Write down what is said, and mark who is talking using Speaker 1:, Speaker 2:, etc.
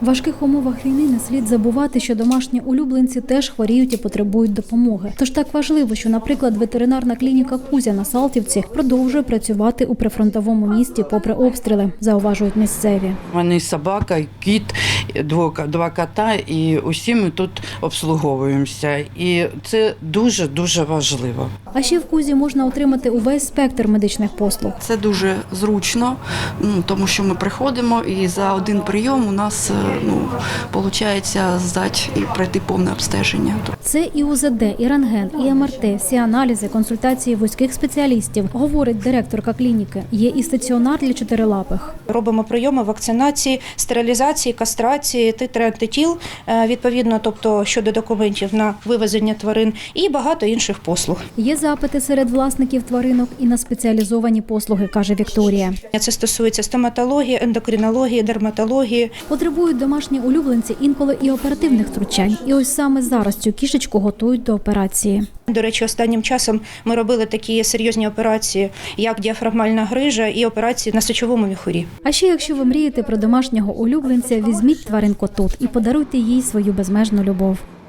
Speaker 1: В важких умовах війни не слід забувати, що домашні улюбленці теж хворіють і потребують допомоги. Тож так важливо, що, наприклад, ветеринарна клініка «Кузя» на Салтівці продовжує працювати у прифронтовому місті попри обстріли, зауважують місцеві.
Speaker 2: Вони собака, кіт, два кота, і усі ми тут обслуговуємося. І це дуже-дуже важливо.
Speaker 1: А ще в «Кузі» можна отримати увесь спектр медичних послуг.
Speaker 3: Це дуже зручно, тому що ми приходимо і за один прийом у нас виходить здати і пройти повне обстеження.
Speaker 1: Це і УЗД, і рентген, і МРТ, всі аналізи, консультації вузьких спеціалістів, говорить директорка клініки. Є і стаціонар для чотирилапих.
Speaker 4: Робимо прийоми вакцинації, стерилізації, кастрації, титри антитіл, відповідно, тобто щодо документів на вивезення тварин і багато інших послуг.
Speaker 1: Є запити серед власників тваринок і на спеціалізовані послуги, каже Вікторія.
Speaker 4: Це стосується стоматології, ендокринології, дерматології.
Speaker 1: Потребують домашні улюбленці інколи і оперативних втручань. І ось саме зараз цю кішечку готують до операції.
Speaker 4: До речі, останнім часом ми робили такі серйозні операції, як діафрагмальна грижа і операції на сечовому міхурі.
Speaker 1: А ще якщо ви мрієте про домашнього улюбленця, візьміть тваринку тут і подаруйте їй свою безмежну любов.